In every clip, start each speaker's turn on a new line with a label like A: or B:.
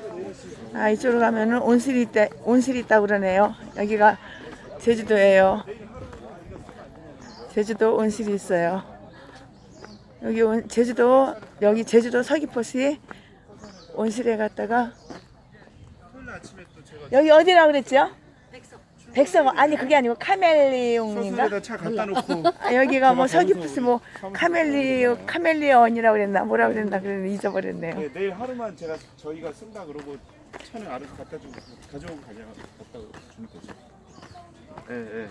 A: 아, 이쪽으로 가면은 온실이 있다고 그러네요. 여기가 제주도예요. 제주도 온실이 있어요. 여기 제주도 서귀포시 온실에 갔다가 여기 어디라 그랬죠? 백석. 아니 그게 아니고 카멜리온인가?
B: 서술에다 차 갖다 놓고
A: 아, 여기가 뭐 서귀포시 뭐 카멜리온이라고 그랬나 뭐라 그랬나 그랬는데 잊어버렸네요.
B: 네, 내일 하루만 저희가 쓴다 그러고 차는 알아서 갖다 주고 가져오고 갖다 주면 되죠. 네.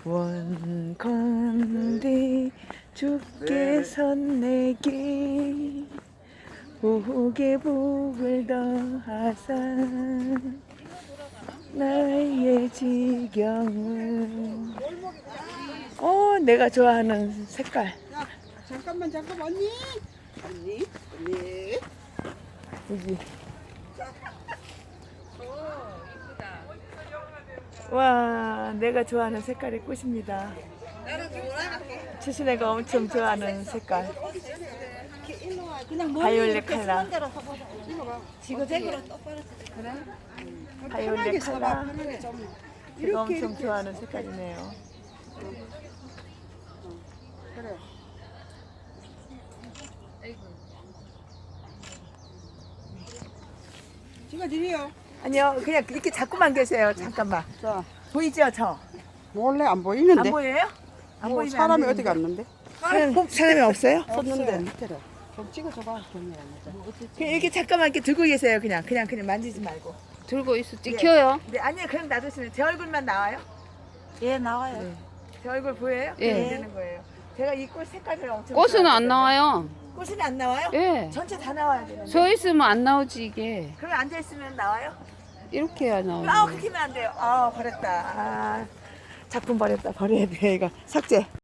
A: 원컨대 주께서 내게 복에 복을 더하사 나의 지경을 내가 좋아하는 색깔.
C: 야, 잠깐만 언니
A: 여기. 와, 내가 좋아하는 색깔의 꽃입니다. 추신애가 엄청 좋아하는 색깔. 바이올렛 컬러.
C: 지그재그로 똑바로
A: 바이올렛 컬러.
C: 편하게 좀
A: 제가 엄청 좋아하는 색깔이네요.
C: 그래. 찍어드려요.
A: 아니요, 그냥 이렇게 잡고만 계세요. 잠깐만.
C: 자,
A: 보이죠, 저?
C: 몰래 안 보이는데.
A: 안 보여요? 안
C: 뭐
A: 보이면
C: 사람이
A: 안
C: 어디 갔는데?
A: 사람이 없어요?
C: 없는데 밑에를 좀 찍어줘봐. 그냥
A: 이렇게 잠깐만 이렇게 들고 계세요. 그냥 만지지 말고.
D: 들고 있어. 찍혀요?
A: 네, 아니요, 그냥 놔두시면 제 얼굴만 나와요.
C: 예, 나와요.
A: 제 얼굴 보여요?
D: 예.
A: 그럼 되는 거예요. 제가 이 꽃 색깔을 엄청
D: 꽃은 안
A: 좋아하거든요.
D: 나와요.
A: 꽃은 안 나와요?
D: 예.
A: 전체 다 나와야 되는데.
D: 서 있으면 안 나오지 이게.
A: 그럼 앉아 있으면 나와요?
D: 이렇게 해야 나오지.
A: 그렇게 하면 안 돼요. 버렸다. 작품 버렸다. 버려야 돼 이거. 삭제.